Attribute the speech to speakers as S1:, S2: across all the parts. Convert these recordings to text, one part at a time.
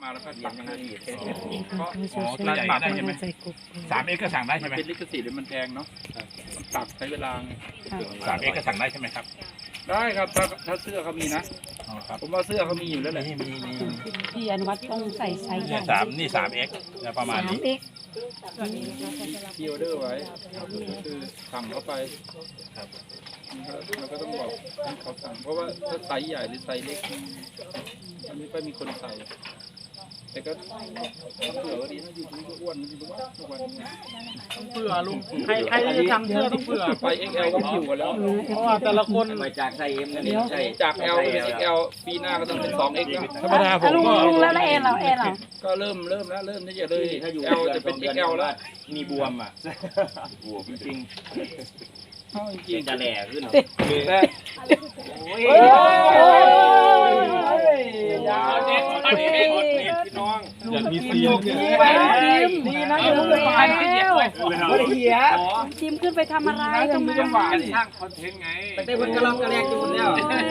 S1: มาแล้วก็ตักให้เพ
S2: ก็
S1: ราะ
S2: ตัวใหญ่ได้ใช่ไหม
S3: ใส่กบ
S2: 3x ก็สั่งได้
S1: มั
S2: ใช่
S1: น
S2: ไหม
S1: เป็นลิขสิทธิ์มันแพงเนาะมันตักใช้เวลา
S2: 3x ก็สั่งได้ใช่ไหมครับ
S1: ได้ครับถ้าเสื้อเขามีนะ
S2: อ๋อครับ
S1: ผมว่าเสื้อเขามีอยู่แล้วแหละ
S2: มี
S3: พี่อนุวัฒน์ต้องใส่ไซส์ใหญ่
S2: นี่ 3x แล้วประมาณนี้
S3: 3x
S1: ที่ออเดอร์ไว้คือสั่งเข้าไป
S2: ครับ
S1: เราก็ต้องบอกให้เขาสั่งเพราะว่าถ้าไซส์ใหญ่หรือไซส์เล็กมันไม่ค่อยมีคนใส่แต่ก็เผื่อว่าดีนะอยู่ที่ก็อ้วนทุกวันนี้
S4: เผื่อลุงใครที่จะทำเสื้อต้องเผื่อ
S1: ไป XL ก็อยู่กันแล้ว
S4: เพราะว่าแต่ละคน
S5: ไปจากไซเอ็มกันนี่ใช่
S1: จาก L เป็น XL ปีหน้าก็ต้องเป็น 2X แล้ว
S2: ธรรมดาผม
S3: ลุง
S2: ก็
S3: ลุงแล้วเอ็นเหรา
S1: ก็เริ่มแล้วเริ่มที่จะเลย
S5: ถ้าอยู่
S1: L จะเป็น XL แล้ว
S5: มีบวมอ่ะบวมจริง
S1: เข้าจ
S5: จริ
S1: ริ
S5: ง
S1: ง
S5: จะแหล่ขึ้น
S1: แต่
S5: โอ้ย
S1: พี่น้อง
S2: อยากมีซีน
S4: ดีนะเดี๋ยวลุงไป
S5: เหี้ย
S3: จิมขึ้นไปทำอะไรตรงนั้น
S1: จังหวะสร้างคอนเทนต์ไง
S5: แต่ได้คนกระลอกกระแรกอยู่แล้ว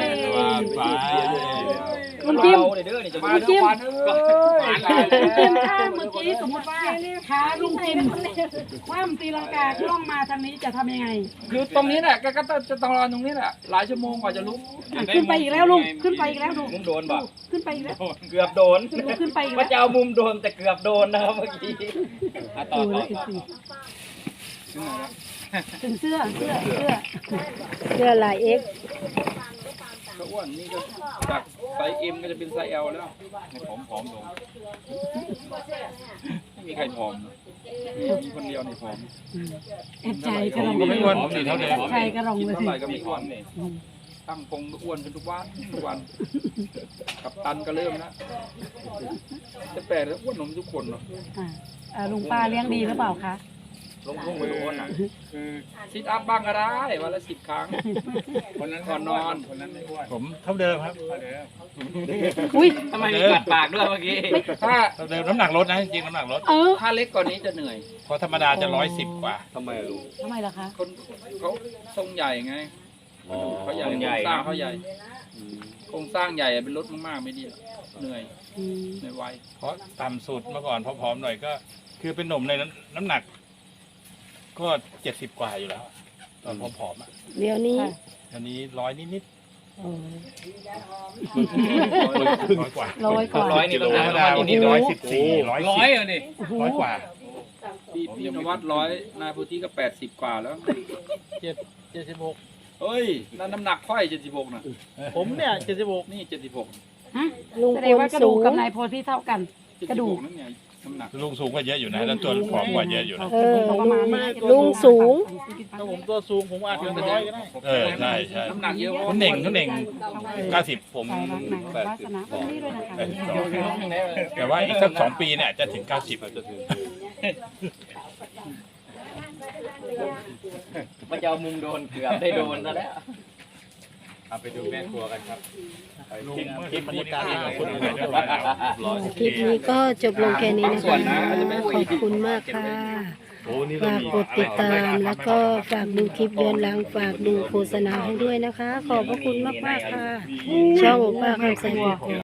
S3: ลุงจิม
S5: เด้อนี่จะ
S1: มา
S5: มา
S1: เดี๋ยววัน
S3: ลุงจิมถ้าเมื่อกี้สมมติว่าขาลุงจิมคว่ำตีลังกาล่องมาทางนี้จะทำยังไง
S1: คือตรงนี้แหละก็จะต้องรอตรงนี้แหละหลายชั่วโมงกว่าจะลุก
S3: ขึ้นไปอีกแล้วลุงขึ้นไปอีกแล้วลุง
S5: มุมโดนบ่
S3: ขึ้นไปอีกแล้ว
S5: เกือบโดน
S3: ลุงขึ้นไปอีก
S5: ว่า
S3: แล้ว
S5: จะเอามุมโดนแต่เกือบโดนนะครับเมื่อกี้
S3: ดูแล้วถึงเสื้อลาย X
S1: ก็อ้วนนี่ก็จากไซส์ M ก็จะเป็นไซส์ L แล้วผอมลงไม่มีใครผอมมีคนเดียวในผอม
S3: แอบใจกระรอง
S2: ก็ไม่อ้วนสิเท่าเดิม
S3: แอบใจกระรอง
S1: กิน
S3: เลย
S1: เท่าไหร่ก็ไม่อ้วนตั้งกงก็อ้วนเป็นทุกวันกับตันก็เริ่มแล้วจะแปลกแล้วอ้วนนมทุกคนเนาะ
S3: ลุงป้าเลี้ยงดีหรือเปล่าคะ
S5: ลงพุ่งไปโดนอ่ะ
S1: คือซิทอัพบ้างก็ได้วันละ10 ครั้งคนนั้นก่อนนอนคนนั้นไม่อ้วน
S2: ผมเท่าเดิมครับ
S3: อุ้ย
S5: ทำไมมีกัดปากด้วยเมื่อกี้
S1: ถ้า
S2: เท่าเดิมน้ำหนักลดนะจริงๆน้ำหนักลด
S1: ถ้าเล็กกว่านี้จะเหนื่อย
S2: เพราะธรรมดาจะ110 กว่า
S5: ทำไมลูก
S3: ทำไมล่ะคะ
S1: คนเขาทรงใหญ่ไงเขาใหญ่โครงสร้างเขาใหญ่โครงสร้างใหญ่เป็นรถมากๆไม่ดีเหนื่อยไว
S2: เพราะต่ำสุดเมื่อก่อนพอๆหน่อยก็ คือเป็นหนุ่มในน้ำหนัก ก็70 กว่าอยู่แล้ว ตอนผอมๆอ่ะ
S3: เดี๋ยวนี้
S2: อันนี้100นิด
S3: โอ้
S2: ๆ100 กว่า
S3: 100 กว่า
S5: 100นี่ต้อง
S2: ธรรมดาวันนี้114 110 100 กว่า
S1: พี่นวัด100นายพุทธิก็80 กว่าแล้ว
S4: 76
S1: เฮ้ยนั่นน้ำหนักค่อย76นะ
S4: ผมเนี่ย76
S1: นี่76
S3: ฮะแสดงว่ากระดูกกับนายโพธิเท่ากัน กระดูก
S1: นั่นไงน้ำหนัก
S2: ลุงสูงกว่าเยอะอยู่นะ แล้วตัวผอมกว่าเยอะอยู่นะ
S3: ประมาณนี้
S4: ลุงสูง
S3: ถ้า
S4: ถ้าผมตัวสูงผมอาจถึง100ก็ได้
S2: ใช่ใช่
S1: น้ำหนักเยอะ
S2: คุณเน่ง90 ผม
S3: ใจรักนางวาสนาวันนี้ด้วยนะคะ
S2: 82แต่ว่าอีกสัก2 ปีเนี่ยจะถึง 90จะถึง
S5: มันจะเอามุมโดนเกือบได้โดนซะแล้ว
S2: เอาไปดูแม่ครัวกันครับ
S5: คลิปบรรยากาศ
S6: คลิปนี้ก็จบลงแค่นี้นะคะขอบคุณมากค่ะ ฝากกดติดตามแล้วก็ฝากดูคลิปย้อนหลังฝากดูโฆษณาให้ด้วยนะคะ ขอบพระคุณมากๆค่ะ ช่องป้าคำใส